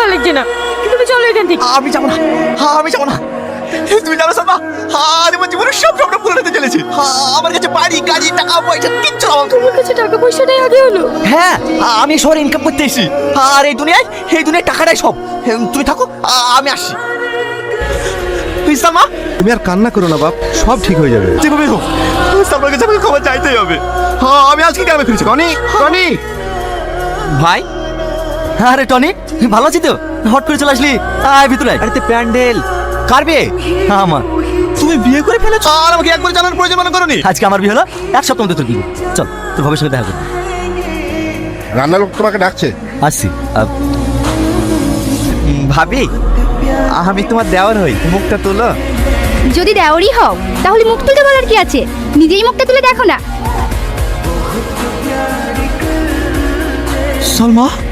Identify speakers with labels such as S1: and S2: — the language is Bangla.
S1: ভালো লাগছে না, তুমি চলো এখান থেকে।
S2: আমি যাবো না, আমি যাবো না। তুমি জানো সালমা, আজ আমার জীবনের সব স্বপ্ন পূরণ হতে চলেছে। আমার কাছে বাড়ি গাড়ি টাকা পয়সা কিচ্ছু না।
S1: তোমার কাছে টাকা পয়সাটাই আগে হলো।
S2: হ্যাঁ, আমি শহরে ইনকাম করতে এসেছি, আর এই দুনিয়ায় টাকাটাই সব। তুমি থাকো, আমি আসছি। সালমা,
S3: তুমি আর কান্না করো না বাপ, সব ঠিক হয়ে যাবে।
S2: যেভাবে হোক সালমার কাছে আমাকে ক্ষমা চাইতেই হবে। আমি আজকে গ্রামে ফিরেছি।
S3: টনি, টনি,
S2: ভাই, আরে টনি, ভালো আছি তো? হট করে চলে আসলি, আয় ভিতরে আয়। আরে তে প্যান্ডেল কার বিয়ে? আমার। তুমি বিয়ে করে ফেলেছো আর আমাকে একবার জানার প্রয়োজন মনে করনি? আজকে আমার বিয়ে হলো, এক সপ্তাহ মধ্যে তোর বিয়ে। চল তোর ভাবের সঙ্গে দেখা করি।
S3: রান্নার লোক তোমাকে ডাকছে।
S2: আসছি। ভাবি, আমি তোমার দেওয়ার হই, মুখটা তোলো।
S4: যদি দেওয়ারই হও তাহলে মুখ তুলতে বলার কি আছে, নিজেই মুখটা তুলে দেখো না।
S2: সালমা,